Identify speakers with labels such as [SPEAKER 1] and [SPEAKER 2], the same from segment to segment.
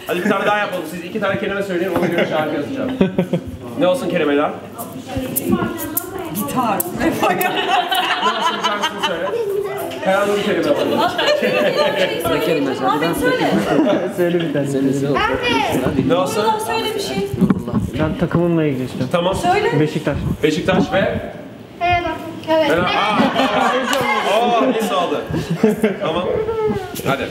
[SPEAKER 1] Hadi bir tane daha yapalım. Siz 2 tane kelime söyleyin, ona göre şarkı yazacağım. Ne olsun kelimeler?
[SPEAKER 2] Gitar.
[SPEAKER 1] Ne olsun şarkısını söyle. Kayanlı bir kelime var.
[SPEAKER 3] Ne kelime ben
[SPEAKER 4] Söyle bir tane.
[SPEAKER 1] Ne olsun?
[SPEAKER 2] Söyle bir şey.
[SPEAKER 4] Ben takımımla ilgili istiyorum.
[SPEAKER 1] Tamam.
[SPEAKER 2] Söyle.
[SPEAKER 4] Beşiktaş.
[SPEAKER 1] Beşiktaş ve...
[SPEAKER 5] Evet.
[SPEAKER 1] Lise oldu. Tamam. Hadi.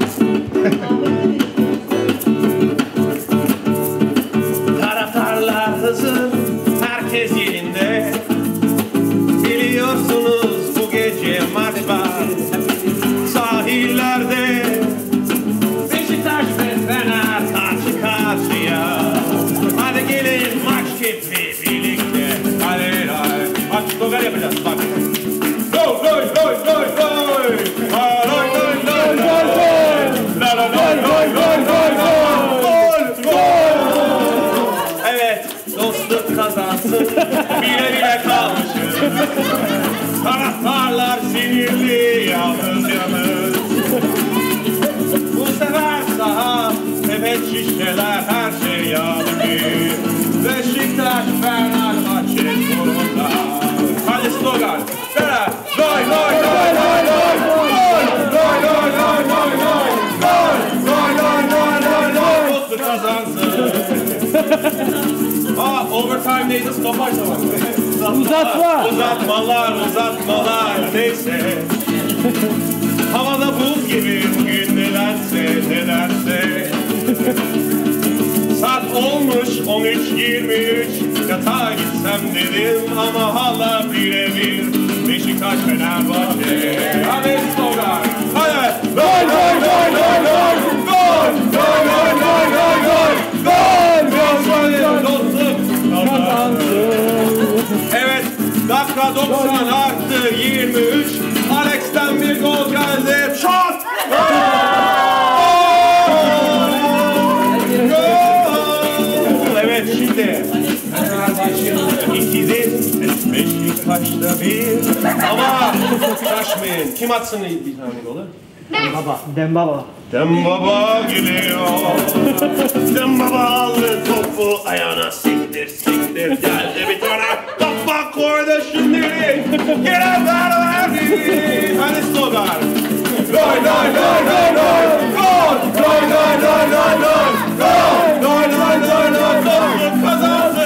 [SPEAKER 1] Taraftarlar hazır, herkes yerinde. Biliyorsunuz bu gece maç var. Sahillerde Beşiktaş ve Fener karşı karşıya. Hadi gelin maç keyfi birlikte. Hadi hadi. Aç dogar yapacağız bak. Gol gol gol gol gol. Gol gol gol gol gol. La la gol gol gol gol gol. Gol. Evet, dostluk kazansın. Bile bile kalmışız. Taraftarlar sinirli, yalnız yalnız. Bu sefer saha, sepet şişeler, her şey yağdı. Beşiktaş, Fenerbahçe sonunda. Hadi slogan. Gol, gol, gol, gol, gol. Gol, gol, gol, gol, gol, gol. Gol, gol, gol, gol, gol, gol. Dostluk kazansın. Overtime'deydi, stopaj zamanı.
[SPEAKER 4] Uzatma.
[SPEAKER 1] Uzatmalar neyse. Havada buz gibi bugün nedense. Saat olmuş 13:23. Yatağa gitsem dedim ama hala birebir. Beşiktaş Fenerbahçe. Hadi slogan. Hadi. Gol gol gol gol gol. Gol gol gol gol gol gol. Gol gol gol gol. Evet, dakika 90 artı 23. Alex'ten bir gol geldi. Şut! Gol! Evet, şimdi Fenerbahçe'nin 2'dir, Beşiktaş'ta 1. Ama şaşmayın. Kim atsın bir tane golü?
[SPEAKER 4] Dembaba.
[SPEAKER 1] Dembaba geliyor. Dembaba aldı topu ayağına siktir geldi bir tane kafa koydu şimdi. Gelen verdi. Hadi slogan. Gol gol gol gol gol. Gol gol gol gol gol gol. Gol gol gol gol gol. Kazansın.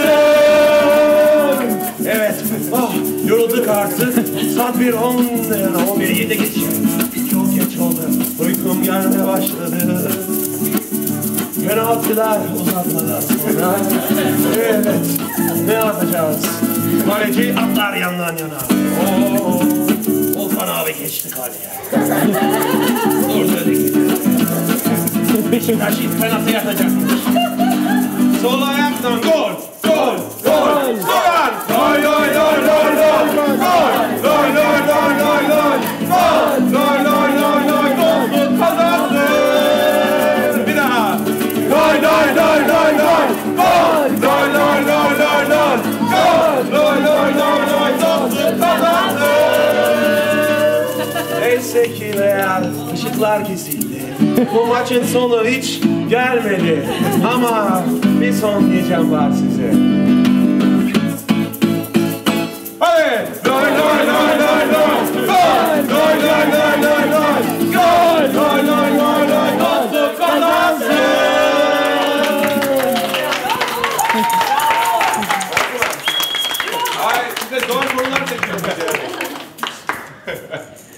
[SPEAKER 1] Evet. Yorulduk artık. Saat 11:7 geçiyor. Çok geç oldu. Uykum gelmeye başladı. Penaltılar, uzatmalar sonra. Evet. Ne yapacağız? Kaleci atlar yandan yana. Volkan abi geçti kaleye. Ortada gidiyor. Beşiktaş ilk penaltı yatacakmış. Sol ayaktan gol. Gol. Gol. Soran. Gol gol gol gol gol. Gol. Gol gol gol gol gol. Gol. Gol gol gol gol gol. Dostluk kazandı. Bir daha. Gol gol gol gol gol. Gol. Gol gol gol gol gol. Gol. Gol gol gol gol. Dostluk kazandı. Neyse ki real ışıklar kesildi. Bu maçın sonu hiç gelmedi. Ama bir son diyeceğim var size. Hadi! Gol gol gol gol gol! Gol! Gol gol gol gol gol! Gol! Gol gol gol gol! Dostluk kazansın! Ay size zor sorular çekiyorum.